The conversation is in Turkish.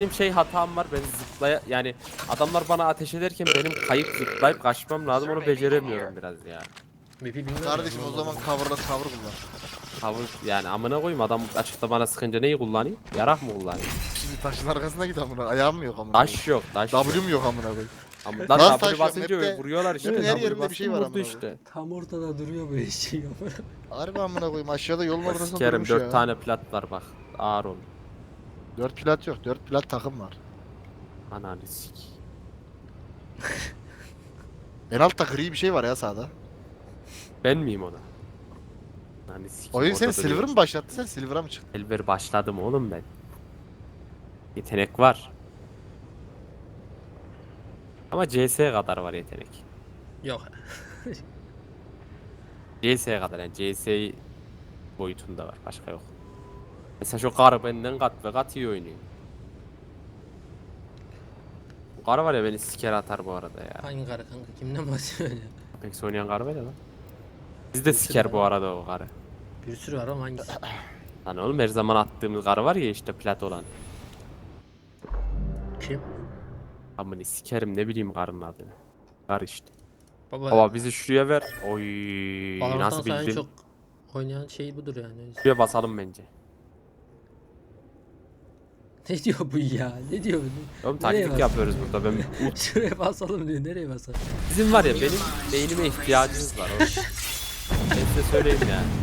Benim şey hatam var, ben yani adamlar bana ateş ederken benim kayıp zıplayıp kaçmam lazım, onu beceremiyorum biraz ya. Map'i bilmiyorum. Kardeşim o zaman cover kullan. Tavır yani, amına koyayım, adam açıkta bana sıkınca neyi kullanayım? Yarak mı kullanayım? Şimdi taşın arkasına git amına. Ayağım mı yok amına? Taş yok, taş yok. W'm yok amına koyayım. Ama Lan lan taş W yok, basınca map'te- vuruyorlar işte. map'in her W yerinde bir şey bastım, var vurdu amına işte. Tam ortada duruyor bu eşeği. Harbi amına koyayım, aşağıda yolun ortasında Sikerim, durmuş 4 ya. tane plat var bak. Ağır ol. 4 plat yok, 4 plat takım var. Ananı sik. En altta gri bir şey var ya sağda. Ben miyim ona? Ananı sik. Oyun seni silver mı başlattı, sen silver'a mı çıktın? Silver başladım oğlum ben. Yetenek var. Ama CS kadar var yetenek. Yok. CS kadar, yani CS boyutunda var, başka yok. Mesela şu karı benden kat ve kat iyi oynuyor. Bu karı var ya, beni siker atar bu arada ya. Hangi karı kanka? Kimden bahsediyorsun ya? Apex oynayan karı var ya lan. Biz de siker bu arada o karı. Bir sürü var ama hangisi? Lan oğlum, her zaman attığımız karı var ya işte, plat olan. Kim? Amını sikerim, ne bileyim karının adını. Kar işte. Baba. Baba bizi şuraya ver. Oy, Valorant'tan nasıl sonra en bildin? çok oynayan şey budur yani. Şuraya basalım bence. Ne diyor bu ya? Ne diyor bu? Oğlum Nereye taktik bas- yapıyoruz burada. Şuraya basalım diyor. Nereye basalım? Bizim var ya, benim beynime ihtiyacınız var oğlum. Ben size söyleyeyim yani.